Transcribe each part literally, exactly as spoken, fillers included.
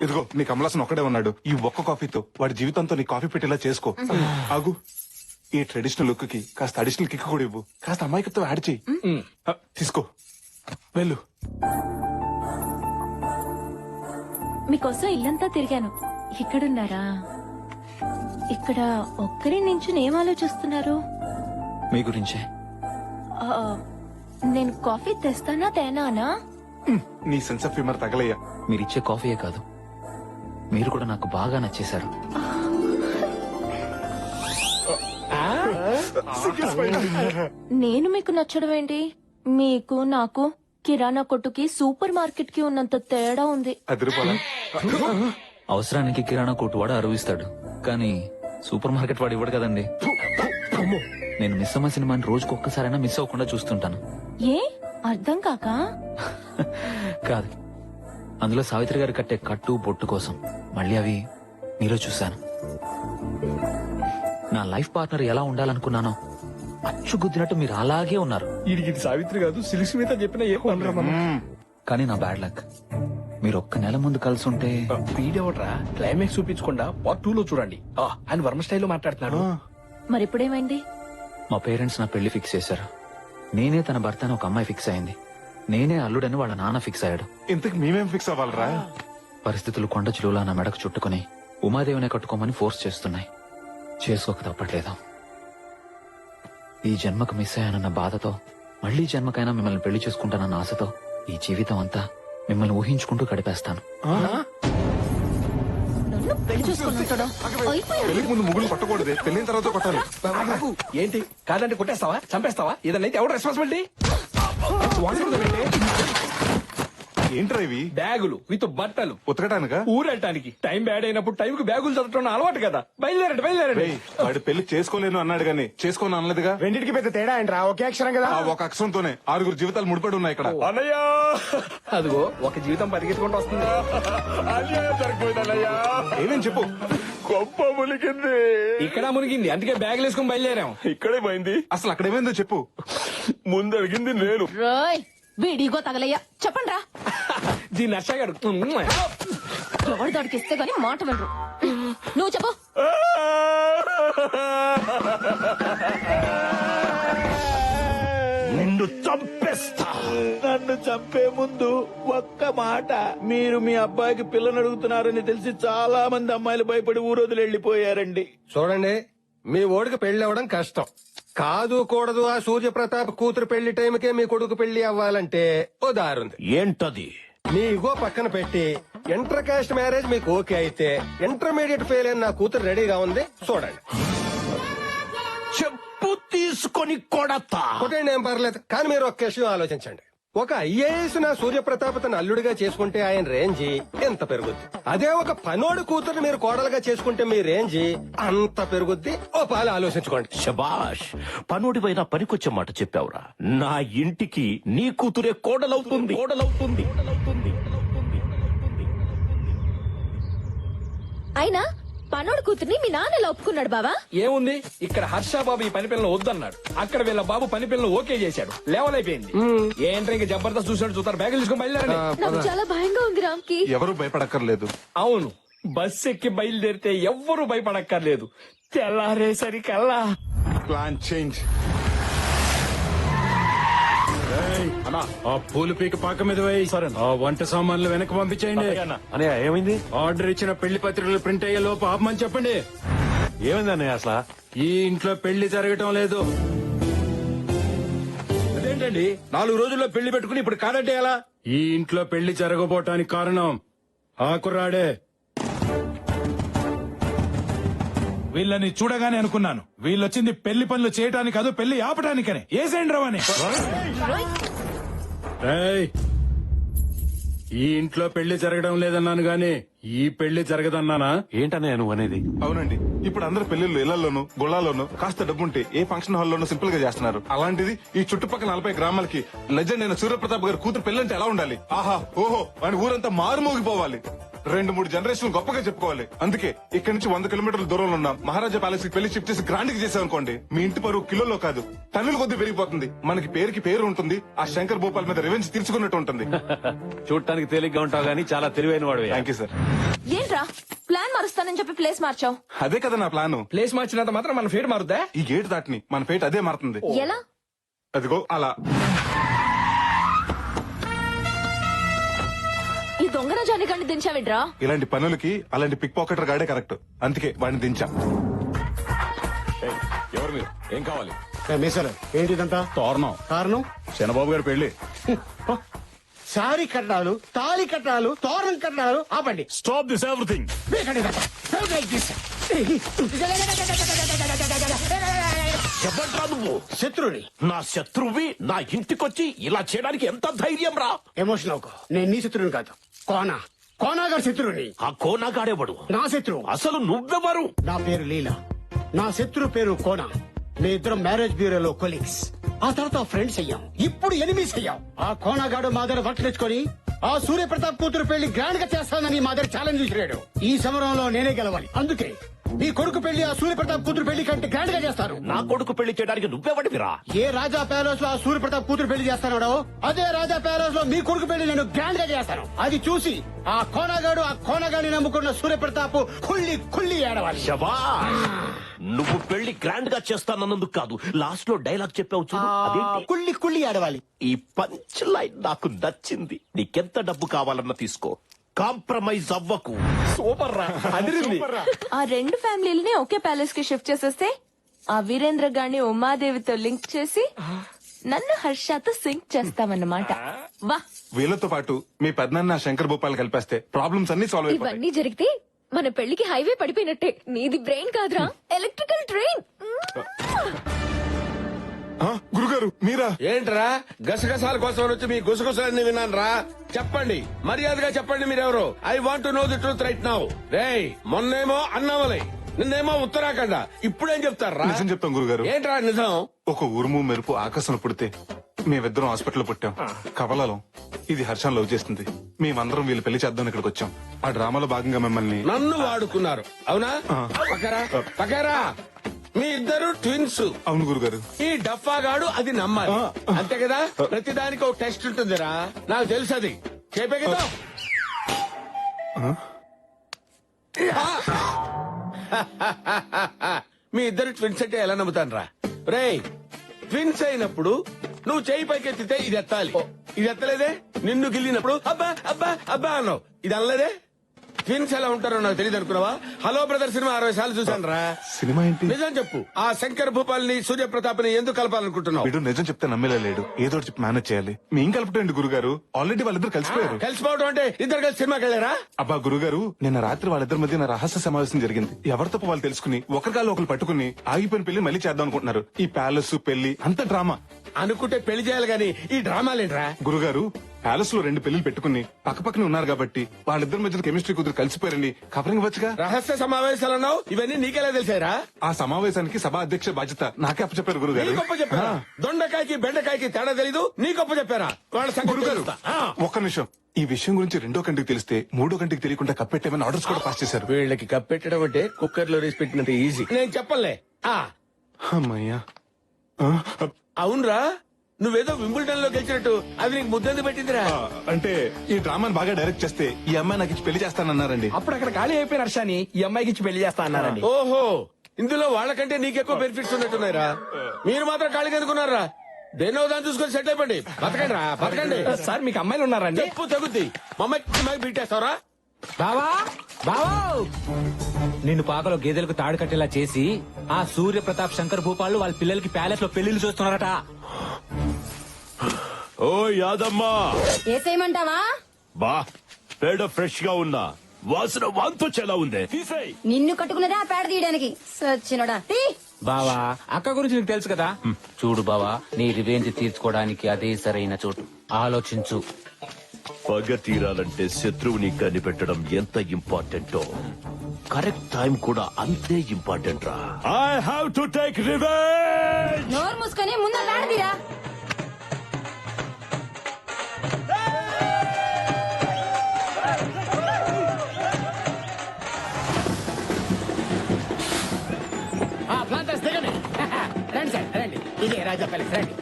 ఇదిగో నీ కమలాసన్ ఒక్కడే ఉన్నాడు. ఈ ఒక్క కాఫీతో వాడి జీవితంతో నీ కాఫీ పెట్టేలా చేసుకో. ఆగు, ఈ ట్రెడిషనల్ లుక్ కి కాస్త అడిషనల్ కిక్ కూడా ఇవ్వు. కాస్త అమాయకత్వం యాడ్ చెయ్యి. ఆ, తీసుకో, వెళ్ళు. మీకోసం ఇల్లంతా తిరిగాను. ఇక్కడున్నారా? ఇక్కడ ఒక్కరి నుంచి ఏం ఆలోచిస్తున్నారు? మీ గురించే. ఆ, నేను కాఫీ తెస్తానా తేనానా? నీ సెన్స్ ఆఫ్ హ్యూమర్ తగలయ్యా. మీరిచ్చే కాఫీయే కాదు, మీరు కూడా నాకు బాగా నచ్చేశారు. నేను మీకు నచ్చడం ఏంటి? మీకు నాకు కిరాణా కొట్టుకి సూపర్ మార్కెట్ కి ఉన్నంత తేడా ఉంది. అది రూపాయలా? అవసరానికి కిరాణా కొట్టు వాడు అరువిస్తాడు, కానీ సూపర్ మార్కెట్ వాడు ఇవ్వడు కదండి. నేను మిస్ అమ్మ సినిమాని రోజుకు ఒక్కసారైనా మిస్ అవ్వకుండా చూస్తుంటాను. ఏ అర్థం కాక? కాదు, అందులో సావిత్రి గారు కట్టే కట్టు బొట్టు కోసం మళ్ళీ అవి మీలో చూశాను. నా లైఫ్ పార్ట్నర్ ఎలా ఉండాలనుకున్నానో అచ్చుగుద్దినట్టు మీరు అలాగే ఉన్నారు. ఇది సావిత్రి కాదు, సిలిసి మీద చెప్పిన ఏ కానీ నా బ్యాడ్ లక్, మీరు ఒక్క నెల ముందు కలిసి ఉంటే. వీడెవడ్రా క్లైమాక్స్ చూపించకుండా పార్ట్ టూ లో చూడండి. ఆ, ఆయన వర్మ స్టైల్లో మాట్లాడుతున్నాడు. మరిప్పుడేమైంది? మా పేరెంట్స్ నా పెళ్లి ఫిక్స్ చేశారు. నేనే తన భర్త అని ఒక అమ్మాయి ఫిక్స్ అయింది. నేనే అల్లుడని వాళ్ళ నాన్న ఫిక్స్ అయ్యాడు. ఇంతకు మేమేం ఫిక్స్ అవ్వాలరా? పరిస్థితులు కొండ చిలువలా నా మెడకు చుట్టుకుని ఉమాదేవినే కట్టుకోమని ఫోర్స్ చేస్తున్నాయి. చేసుకోక తప్పట్లేదు. ఈ జన్మకు మిస్ అయ్యానన్న బాధతో, మళ్లీ జన్మకైనా మిమ్మల్ని పెళ్లి చేసుకుంటానన్న ఆశతో ఈ జీవితం అంతా మిమ్మల్ని ఊహించుకుంటూ గడిపేస్తాను. నన్ను పెళ్లి చేసుకున్నాడు. పెళ్లికి ముందు ముగ్గులు పట్టకూడదు, పెళ్లిన తర్వాత కొట్టాలి. ఏంటి కాదంటే కొట్టేస్తావా, చంపేస్తావా? ఏదన్నా అయితే ఎవరు రెస్పాన్సిబిలిటీ? ఏంట్రా ఇవి? బ్యాగులు విత్ బట్టలు ఉతకడానికా? ఊరెళ్ళటానికి. టైం బ్యాడ్ అయినప్పుడు టైం కు బ్యాగులు చదవటం అలవాటు కదా. బయలుదేరండి బయలుదేరండి. రేయ్, వాడు పెళ్లి చేసుకోలేను అన్నాడు గానీ చేసుకోను అనలేదుగా. రెండింటికి పెద్ద తేడా ఏంట్రా? ఒకే అక్షరం కదా. ఆ ఒక అక్షరంతోనే ఆరుగురు జీవితాలు ముడిపడి ఉన్నాయి ఇక్కడ. అన్నయ్యా, అదిగో ఒక జీవితం పరిగెత్తుకుంటూ వస్తుంది. ఏమేం చెప్పు. గొప్ప మునిగింది. ఇక్కడ మునిగింది, అందుకే బ్యాగులు వేసుకుని బయలుదేరాం. ఇక్కడే పోయింది. అసలు అక్కడ ఏమైందో చెప్పు. ముందు అడిగింది నేను. రోయ్ వీడిగో తగలయ్యా, చెప్పండి రా. దీన్ని నచ్చగాడు. ఎవరు దాడికిస్తే గానీ మాట వినరు. నువ్వు చెప్పు. నిన్ను చంపేస్తా. నన్ను చంపే ముందు ఒక్క మాట. మీరు మీ అబ్బాయికి పిల్లని అడుగుతున్నారని తెలిసి చాలా మంది అమ్మాయిలు భయపడి ఊరోజులు వెళ్లిపోయారండి. చూడండి, మీ ఓడికి పెళ్లి అవ్వడం కష్టం కాదు. కూడదు ఆ సూర్యప్రతాప్ కూతురు పెళ్లి టైంకే మీ కొడుకు పెళ్లి అవ్వాలంటే ఓ దారుంది. ఏంటది? మీ ఇగో పక్కన పెట్టి ఇంటర్ కాస్ట్ మ్యారేజ్ మీకు ఓకే అయితే ఇంటర్మీడియట్ ఫెయిల్ అయిన నా కూతురు రెడీగా ఉంది, చూడండి. చెప్పు తీసుకొని కొడతా. కొట్టండి, ఏం పర్లేదు. కానీ మీరు ఒక్క విషయం ఆలోచించండి. ఒక ఐఏఎస్ నా సూర్యప్రతాప్ తన అల్లుడిగా చేసుకుంటే ఆయన రేంజి ఎంత పెరుగుద్ది. అదే ఒక పనోడు కూతురు మీరు కోడలుగా చేసుకుంటే మీ రేంజి అంత పెరుగుద్ది. ఓ పాలు ఆలోచించుకోండి. శబాష్, పనుడిపైన పనికొచ్చే మాట చెప్పావురా. నా ఇంటికి నీ కూతురే కోడలవుతుంది. కోడలవుతుంది అయినా పనోడు కూతుర్ని మీ నాన్న ఒప్పుకున్నాడు బావా. ఏముంది, ఇక్కడ హర్ష బాబు ఈ పని పిల్లలు వద్దన్నాడు. అక్కడ వీళ్ళ బాబు పని పిల్లలు ఓకే చేశాడు. లెవెల్ అయిపోయింది. ఏంటంటే ఇంకా జబర్దస్త్ చూసినట్టు చూస్తారు. బ్యాగులు తీసుకొని బయలుదేరండి. నాకు చాలా భయంగా ఉంది రామ్కి. ఎవరు భయపడక్కర్లేదు. అవును, బస్ ఎక్కి బయలుదేరితే ఎవ్వరూ భయపడక్కర్లేదు. తెల్లారేసరికల్లా ప్లాన్ చేంజ్. ఆ పూలు పీక పాక మీద వేయి. ఆ వంట సామాన్లు వెనక్కి పంపించేయండి. అన్నయ్య ఏమైంది? ఆర్డర్ ఇచ్చిన పెళ్లి పత్రికలు ప్రింట్ అయ్యే లోపు ఆపమని చెప్పండి. ఏమైంది అన్నయ్య అసలు? ఈ ఇంట్లో పెళ్లి జరగటం లేదు. అదేంటండి, నాలుగు రోజుల్లో పెళ్లి పెట్టుకుని ఇప్పుడు కాదంటే ఎలా? ఈ ఇంట్లో పెళ్లి జరగబోటానికి కారణం ఆ కుర్రాడే. వీళ్ళని చూడగానే అనుకున్నాను, వీళ్ళొచ్చింది పెళ్లి పనులు చేయటానికి కాదు, పెళ్లి ఆపటానికనే. ఏసేండి రవని. ఏయ్, ఈ ఇంట్లో పెళ్లి జరగడం లేదన్నాను గాని ఈ పెళ్లి జరగదన్నానా? ఏంటన్నయ్య నువ్వు అనేది? అవునండి, ఇప్పుడు అందరు పెళ్లిళ్ళు ఇళ్లలోను గుళ్ళాల్లోనూ కాస్త డబ్బుంటే ఏ ఫంక్షన్ హాల్లోనూ సింపుల్ గా చేస్తున్నారు. అలాంటిది ఈ చుట్టుపక్కల నలభై గ్రామాలకి లెజెండ్ అయిన సూర్యప్రతాప్ గారి కూతురు పెళ్లంటే ఎలా ఉండాలి? ఆహా ఓహో అని ఊరంతా మారుమోగిపోవాలి. రెండు మూడు జనరేషన్ గొప్పగా చెప్పుకోవాలి. అందుకే ఇక్కడ నుంచి వంద కిలోమీటర్ల దూరంలో ఉన్న మహారాజా ప్యాలెస్ కి పెళ్లి షిఫ్ట్ చేసి గ్రాండ్ గా చేసాం అనుకోండి, మీ ఇంటి పరువు కిలోలో కాదు టన్నుల కొద్ది పెరిగిపోతుంది. మనకి పేరుకి పేరు ఉంటుంది, ఆ శంకర్ భూపాల్ మీద రివెంజ్ తీర్చుకున్నట్టు ఉంటుంది. చూడటానికి తేలిగ్గా ఉంటావు గానీ చాలా తెలివైన వాడు. Thank you sir. ఏంట్రా ప్లాన్ మారుస్తానని చెప్పి ప్లేస్ మార్చావు? అదే కదా నా ప్లాన్. ప్లేస్ మార్చినంత మాత్రం మన ఫేట్ మారుద్దా? ఈ గేట్ దాటిని మన ఫేట్ అదే మారుతుంది. ఎలా? అదిగో అలా. ఈ దొంగన జానికాన్ని దించావిడ్రా? ఇలాంటి పనులకి అలాంటి పిక్ పాకెటర్ గాడే కరెక్ట్. అందుకే వాడిని దించా. ఎవరు మీరు? ఏం కావాలి? మీసలు ఏంటిదంతా? తోరణం కారణం చంద్రబాబు గారి పెళ్లి. సారీ కట్టాలు, తాళి కట్టాలు, తోరణం కట్టాలు. ఆపండి. Stop this everything. చెప్పండి నువ్వు శత్రుని నా శత్రువి నా ఇంటికొచ్చి ఇలా చేయడానికి ఎంత ధైర్యం రా? ఎమోషన్ అవుకో. నేను నీ శత్రువుని కాదు, కోనా కోనా గారి శత్రువుని. ఆ కోనాగాడేవాడు నా శత్రువు. అసలు నువ్వెవరు? నా పేరు లీలా, నా శత్రు పేరు కోనా. మీ ఇద్దరం మ్యారేజ్ బ్యూరోలో కొలీగ్స్, ఆ తర్వాత ఫ్రెండ్స్ అయ్యాం, ఇప్పుడు ఎనిమిస్ అయ్యాం. ఆ కోనాగాడు మా దగ్గర వర్క్ తెచ్చుకొని ఆ సూర్యప్రతాప్ కూతురు పెళ్లి గ్రాండ్ గా చేస్తానని మా దగ్గర ఛాలెంజ్ చేశాడు. ఈ సమరంలో నేనే గెలవాలి. అందుకే నీ కొడుకు పెళ్లి ఆ సూర్యప్రతాప్ కూతురు పెళ్లి కంటే గ్రాండ్ గా చేస్తారు. నా కొడుకు పెళ్లి చేయడానికి నువ్వెవడివిరా? ఏ రాజా ప్యాలెస్ లో ఆ సూర్యప్రతాప్ కూతురు పెళ్లి చేస్తానో అదే రాజా ప్యాలెస్ లో మీ కొడుకు పెళ్లి నేను గ్రాండ్ గా చేస్తాను. అది చూసి ఆ కోనగాడు ఆ కోనగాడిని నమ్ముకున్న సూర్యప్రతాప్ కుళ్ళి కుళ్ళి ఏడవాలి. శబా, నువ్వు పెళ్లి గ్రాండ్ గా చేస్తానన్నందుకు కాదు, లాస్ట్ లో డైలాగ్ చెప్పావు చూడు, అదేంటి? కుళ్ళి కుళ్ళి ఏడవాలి. ఈ పంచ్ లైన్ నాకు నచ్చింది. నీకెంత డబ్బు కావాలన్నా తీసుకో, కాంప్రమైజ్ అవ్వకు. సూపర్ రా, అదిరింది. ఆ రెండు ఫ్యామిలీలని ఒకే ప్యాలెస్ కి షిఫ్ట్ చేసేస్తే ఆ వీరేంద్ర గాని ఉమాదేవితో లింక్ చేసి నన్ను హర్షతో సింక్ చేస్తామన్నమాట. వా, వీళ్ళతో పాటు మీ పెద్దనాన్న శంకర్ భూపాల్ కలిపేస్తే ప్రాబ్లమ్స్ అన్ని సాల్వ్ అయిపోతాయి. ఇవన్నీ జరిగితే మన పెళ్లికి హైవే పడిపోయినట్టే. నీది బ్రెయిన్ కాదురా, ఎలక్ట్రికల్ ట్రైన్. ఆ, గురుగారు మీరా? ఏంట్రా గసగసాల కోసం వచ్చి మీ గుసగుసలన్నీ విన్నాను రా. చెప్పండి, మర్యాదగా చెప్పండి మీరెవరు. I want know the truth right now. రేయ్, మొన్నేమో అన్నామలై, నిన్నేమో ఉత్తరాఖండ, ఇప్పుడేం చెప్తారా? నిజం చెప్తాం గురుగారు. ఏంట్రా నిజం? ఒక ఉరుము మెరుపు ఆకాశం పుడితే మేమిద్దరం హాస్పిటల్ పుట్టాం. కవలాలం ఇది హర్షం లవ్ చేస్తుంది. మేమందరం వీళ్ళు పెళ్లి చేద్దాం ఇక్కడికి వచ్చాం. ఆ డ్రామాలో భాగంగా మిమ్మల్ని నన్ను వాడుకున్నారు అవునా? పకరా పకరా, మీ ఇద్దరు ట్విన్స్. అవును గురుగారు. ఈ డఫాగాడు అది నమ్మాలి, అంతే కదా? ప్రతిదానికి ఒక టెస్ట్ ఉంటుందిరా, నాకు తెలుసు అది. చెప్పే కదా. మీ ఇద్దరు ట్విన్స్ అంటే ఎలా నమ్ముతాను రా? రేయ్, ట్విన్స్ అయినప్పుడు నువ్వు చేయి పైకెత్తితే ఇది ఎత్తాలి. ఇది ఎత్తలేదే? నిన్ను గిల్లినప్పుడు అబ్బా అబ్బా అబ్బా అన్నావు, ఇది అనలేదే? ట్విన్స్ ఎలా ఉంటారో నాకు తెలియదు అనుకున్నావా? హలో బ్రదర్ సినిమా అరవై సార్లు చూసాను రా. సినిమా ఏంటి? నిజం చెప్పు, ఆ శంకర్ భూపాల్ ని సూర్యప్రతాప్ ని ఎందుకు కలపాలనుకుంటున్నావు? వీడు నిజం చెప్తే నమ్మేలా లేడు. ఏదో ఒకటి చెప్పి మేనేజ్ చేయాలి. మీ కలపటండి గురుగారు, ఆల్రెడీ వాళ్ళిద్దరు కలిసిపోయారు. కలిసిపోవడం అంటే ఇద్దరు కలిసి సినిమాకి వెళ్ళారా? అబ్బా గురుగారు, నిన్న రాత్రి వాళ్ళిద్దరి మధ్య రహస్య సమావేశం జరిగింది. ఎవరి తప్ప వాళ్ళు తెలుసుకుని ఒకరికాలు ఒకరు పట్టుకుని ఆగిపోయిన పెళ్లి మళ్ళీ చేద్దాం అనుకుంటున్నారు. ఈ ప్యాలెస్ పెళ్లి అంత డ్రామా. అనుకుంటే పెళ్లి చేయాలి గాని ఈ డ్రామాలేంట్రా? గురుగారు, ప్యాలెస్ లో రెండు పెళ్లిలు పెట్టుకుని పక్కపక్కనే ఉన్నారు కాబట్టి వాళ్ళిద్దరి మధ్య కెమిస్ట్రీ కుదిరి కలిసిపోయారని కవరింగ్ వచ్చుగా. రహస్య సమావేశాలు అన్నావు, ఇవన్నీ నీకెలా తెలిసారా? ఆ సమావేశానికి సభా అధ్యక్ష బాధ్యత నాకే అప్పచెప్పారు నీ గురుగారు. గొప్ప చెప్పారా? దొండకాయకి బెండకాయకి తేడా తెలీదు, నీ గొప్ప చెప్పారా? వాళ్ళ సంగతి గురుగారు తెలుస్తా. ఆ. ఒక్క నిమిషం. ఈ విషయం గురించి రెండో కంటికి తెలిస్తే మూడో కంటికి తెలియకుండా కప్పెట్టేమని ఆర్డర్స్ కూడా పాస్ చేశారు. వీళ్ళకి కప్పెట్టడం అంటే కుక్కర్ లో రేసి పెట్టినంత ఈజీ. నేను చెప్పలే. ఆ అమ్మయ్యా. ఆ, అవునరా, నువ్వేదో వింబుల్టన్ లో గెలిచినట్టు అది నీకు ముద్దంది పెట్టిందిరా. ఆ, అంటే ఈ డ్రామాని బాగా డైరెక్ట్ చేస్తే ఈ అమ్మాయి నాకు ఇచ్చి పెళ్లి చేస్తానన్నారండి. అప్పుడు అక్కడ ఖాళీ అయిపోయిన హర్షాని ఈ అమ్మాయికి ఇచ్చి పెళ్లి చేస్తా అన్నారండి. ఓహో, ఇందులో వాళ్ళకంటే నీకెక్కువ బెనిఫిట్స్ ఉన్నట్టున్నాయిరా. మీరు మాత్రం ఖాళీగా ఎందుకున్నారా? దేనో దాన్ని చూసుకొని సెట్ అయిపోండి. బతకండి రా, బతకండి. సార్ మీకు అమ్మాయిలు ఉన్నారండి? చెప్పు తగ్గుద్ది. మమ్మల్ని బీటేస్తావరా? బావా బావా, నిన్ను పాకలో గేదెలకు తాడు కట్టేలా చేసి ఆ సూర్య ప్రతాప్ శంకర్ భూపాలు వాళ్ళ పిల్లలకి ప్యాలెస్ లో పెళ్లిళ్ళు చూస్తున్నారట. ఓ యాదమ్మా, ఏసేయమంటావా? బా పేడ ఫ్రెష్ గా ఉన్నా, వాసన వాంతొచ్చేలా ఉంది. తీసేయ్. నిన్ను కట్టుకున్నదే ఆ పేడ తీయడానికి. సచ్చినోడా, తీ. బావా, అక్క గురించి నీకు తెలుసు కదా. చూడు బావా, నీ రివెంజ్ తీర్చుకోవడానికి అదే సరైన చోటు. ఆలోచించు. పగ తీరాలంటే శత్రువుని కనిపెట్టడం ఎంత ఇంపార్టెంటో కరెక్ట్ టైం కూడా అంతే ఇంపార్టెంట్ రా. I have to take revenge. నోరు మూసుకొని ముందు పేడ తీరా. రండి.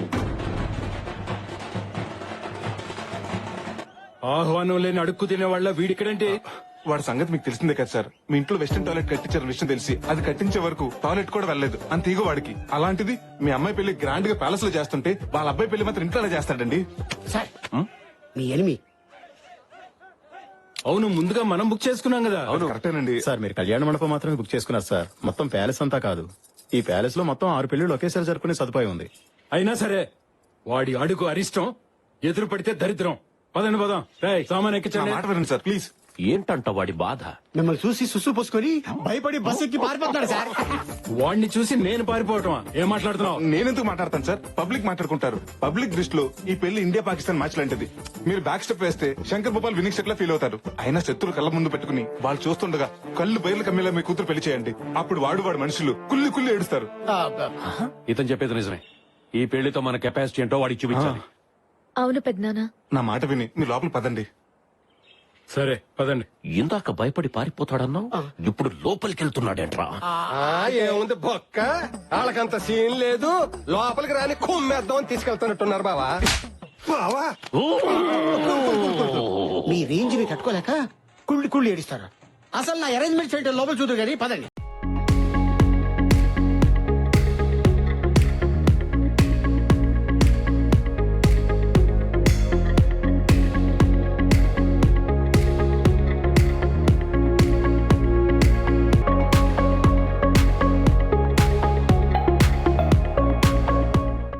ఆహ్వానం లేని అడుక్కు తినే వాళ్ళ వీడిక్కడంటే వాడి సంగతి మీకు తెలిసిందే కదా సార్. మీ ఇంట్లో వెస్టర్న్ టాయిలెట్ కట్టించారు విషయం తెలిసి అది కట్టించే వరకు టాయిలెట్ కూడా వెళ్ళలేదు అంత ఈగో వాడికి. అలాంటిది మీ అమ్మాయి పెళ్లి గ్రాండ్ గా ప్యాలెస్ లో చేస్తుంటే వాళ్ళ అబ్బాయి పెళ్లి మాత్రం ఇంట్లోనే చేస్తాడండి. సార్ మీ ఎనిమి అవును ముందుగా మనం బుక్ చేసుకున్నాం కదా. అవును కరెక్టేనండి. సార్ మీరు కళ్యాణ మండపం మాత్రమే బుక్ చేసుకున్నారు సార్. మొత్తం ప్యాలెస్ అంతా కాదు. ఈ ప్యాలెస్ లో మొత్తం ఆరు పెళ్లిళ్ళు ఒకేసారి జరుపుకునే సదుపాయం ఉంది. అయినా సరే వాడి అడుగు అరిష్టం, ఎదురు పడితే దరిద్రం. పదండి పదం. రేయ్ సామాన్ నా ఎక్కించండి. మాట వినండి సార్ ప్లీజ్. ఏంటంట వాడి బాధ? మిమ్మల్ని చూసి సుసు పోసుకొని భయపడి బస్ ఎక్కి పారిపోతున్నాడు సార్. వాడిని చూసి నేను పారిపోవటమా? ఏం మాట్లాడుతున్నావు? నేనెందుకు మాట్లాడతాను సార్? పబ్లిక్ మాట్లాడుకుంటారు. పబ్లిక్ దృష్టిలో ఈ పెళ్లి ఇండియా పాకిస్తాన్ మ్యాచ్ లాంటిది. మీరు బ్యాక్ స్టెప్ వేస్తే శంకర్ భూపాల్ వినింగ్ సెట్ లా ఫీల్ అవుతారు. అయినా శత్రులు కళ్ళ ముందు పెట్టుకుని వాళ్ళు చూస్తుండగా కళ్ళు బయలు కమ్మేలా మీ కూతురు పెళ్లి చేయండి. అప్పుడు వాడు వాడు మనుషులు కుల్లి కుల్లి ఏడుస్తారు. ఇతను చెప్పేది నిజమే. ఈ పెళ్లితో మన కెపాసిటీ ఏంటో వాడికి చూపించాలి. అవును పెద్దనాన్న. నా మాట విని మీ లోపల పదండి. సరే పదండి. ఇందాక భయపడి పారిపోతాడన్నావు, ఇప్పుడు లోపలికి వెళ్తున్నాడేంట్రా? ఆ, ఏముంది బొక్క, వాళ్ళకంత సీన్ లేదు. లోపలికి రాని కుమ్మేద్దాం అని తీసుకెళ్తున్నట్టున్నారు బావా. బావా మీ రేంజ్ ని తట్టుకోలేక కుళ్ళి కుళ్ళి ఏడిస్తారు. అసలు నా అరేంజ్మెంట్ చేయడం లోపల చూద్దరు కానీ పదండి.